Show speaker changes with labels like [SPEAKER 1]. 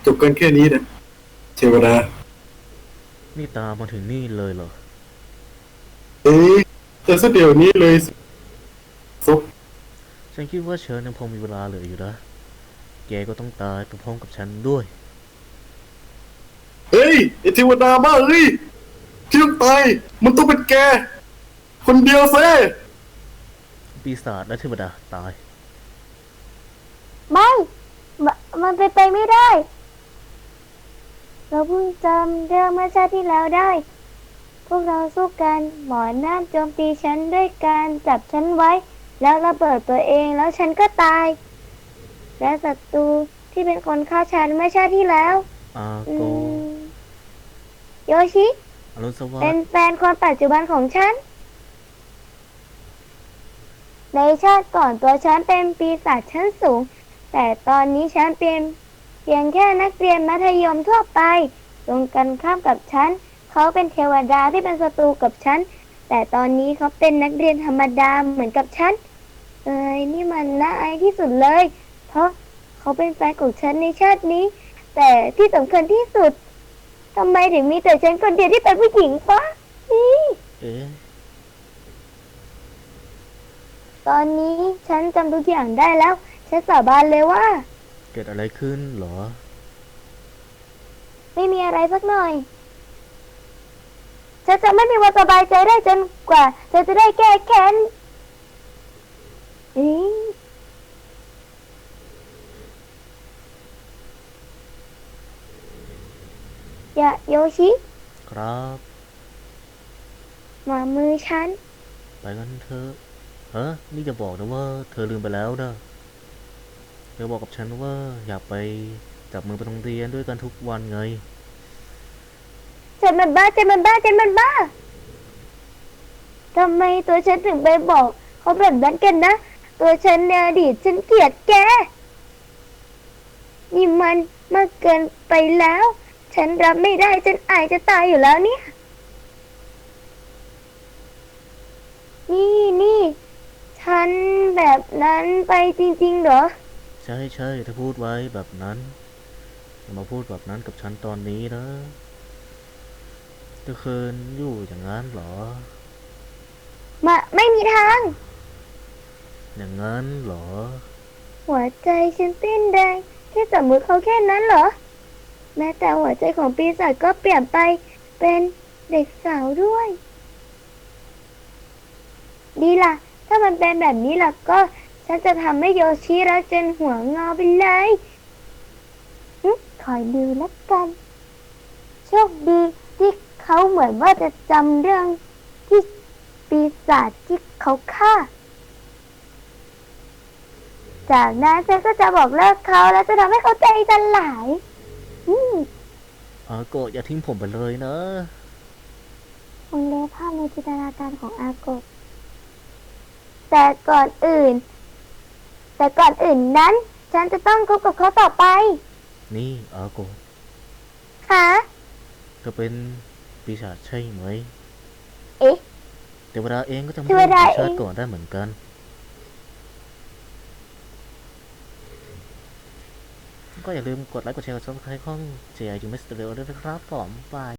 [SPEAKER 1] จบกันแค่นี้นะเทวดา
[SPEAKER 2] นี่ตามมาถึงนี่เลยเหรอ
[SPEAKER 1] เอ๊ะจะซะเดี๋ยวนี้เลยซบ
[SPEAKER 2] ฉันคิดว่าเชิญยังพอมีเวลาเหลืออยู่นะแกก็ต้องตายพร้อมๆกับฉันด้วย
[SPEAKER 1] เฮ้ยไอเทวดาบ้าเอ้ยที่ต้องตายมันต้องเป็นแกคนเดียวเซ่
[SPEAKER 2] ปีศาจและเทวดาตาย
[SPEAKER 3] ไม่มมันเป็นไปไม่ได้เราเพิ่งจำเรื่องเมื่อชาติที่แล้วได้พวกเราสู้กันหมอนั่นโจมตีฉันด้วยการจับฉันไว้แล้วระเบิดตัวเองแล้วฉันก็ตายและศัตรูที่เป็นคนฆ่าฉันเมื่อชาติที่แล้ว
[SPEAKER 2] อา
[SPEAKER 3] อื
[SPEAKER 2] โก
[SPEAKER 3] มโยชิ
[SPEAKER 2] อรุณสวั
[SPEAKER 3] เป็น
[SPEAKER 2] สดิ์
[SPEAKER 3] แฟนคนปัจจุบันของฉันในชาติก่อนตัวฉันเป็นปีศาจชั้นสูงแต่ตอนนี้ฉันเป็นเพียงแค่นักเรียนมัธยมทั่วไปตรงกันข้ามกับฉันเขาเป็นเทวดาที่เป็นศัตรูกับฉันแต่ตอนนี้เขาเป็นนักเรียนธรรมดาเหมือนกับฉันนี่มันน่าอายที่สุดเลยเพราะเขาเป็นแฟนของฉันในชาตินี้แต่ที่สำคัญที่สุดทำไมถึงมีแต่ฉันคนเดียวที่เป็นผู้หญิงปะนี่
[SPEAKER 2] เอ๊ะ
[SPEAKER 3] ตอนนี้ฉันจำทุกอย่างได้แล้วฉันสาบานเลยว่า
[SPEAKER 2] เกิดอะไรขึ้นเหรอ
[SPEAKER 3] ไม่มีอะไรสักหน่อยฉันจะไม่มีวันสบายใจได้จนกว่าฉันจะได้แก้แค้นอืมอย่าโยชิ
[SPEAKER 2] ครับ
[SPEAKER 3] มามือฉัน
[SPEAKER 2] ไปกันเถอะฮะนี่จะบอกนะว่าเธอลืมไปแล้วนะเธอบอกกับฉันว่าอยากไปจับมือไปโรงเรียนด้วยกันทุกวันไง
[SPEAKER 3] ฉันมันบ้าฉันมันบ้าฉันมันบ้าทำไมตัวฉันถึงไปบอกเขาแบบนั้นกันนะตัวฉันในอดีตฉันเกลียดแกนี่มันมากเกินไปแล้วฉันรับไม่ได้ฉันอายจะตายอยู่แล้วเนี่ยนี่ฉันแบบนั้นไปจริงๆเหรอ
[SPEAKER 2] ใช่ใช่ถ้าพูดไว้แบบนั้นอย่ามาพูดแบบนั้นกับฉันตอนนี้นะเธอคืนอยู่อย่างนั้นเหรอ
[SPEAKER 3] ไม่มีทาง
[SPEAKER 2] อย่างนั้นเหรอ
[SPEAKER 3] หัวใจฉันเต้นแรงแค่จับมือเขาแค่นั้นเหรอแม้แต่หัวใจของปีศาจก็เปลี่ยนไปเป็นเด็กสาวด้วยดีล่ะถ้ามันเป็นแบบนี้ล่ะก็ฉันจะทำให้โยชิรักจนหัวงอไปเลยคอยดูแล้วกันโชคดีที่เขาเหมือนว่าจะจำเรื่องที่ปีศาจที่เขาฆ่าจากนั้นฉันก็จะบอกเลิกเขาแล้วจะทำให้เขาใจสลายอืม
[SPEAKER 2] อาโกะอย่าทิ้งผมไปเลยนะ
[SPEAKER 3] คงเล่ภาพในจินตนาการของอาโกะแต่ก่อนอื่นแต่ก่อนอื่นนั้นฉันจะต้องคบกับเขาต่อไป
[SPEAKER 2] นี่อาโกะ
[SPEAKER 3] ค่ะ
[SPEAKER 2] เธอเป็นปีศาจใช่ไหม
[SPEAKER 3] เอ๊ะ
[SPEAKER 2] เทวดาเองก็จำ
[SPEAKER 3] เท
[SPEAKER 2] เรื่องของ
[SPEAKER 3] วดาเอง
[SPEAKER 2] ชาติก่อนได้เหมือนกันก็อย่าลืมกดไลค์กดแชร์กดซับสไครต์ช่อง JI ยูมิสเตอร์เรลด้วยนะครับผมบาย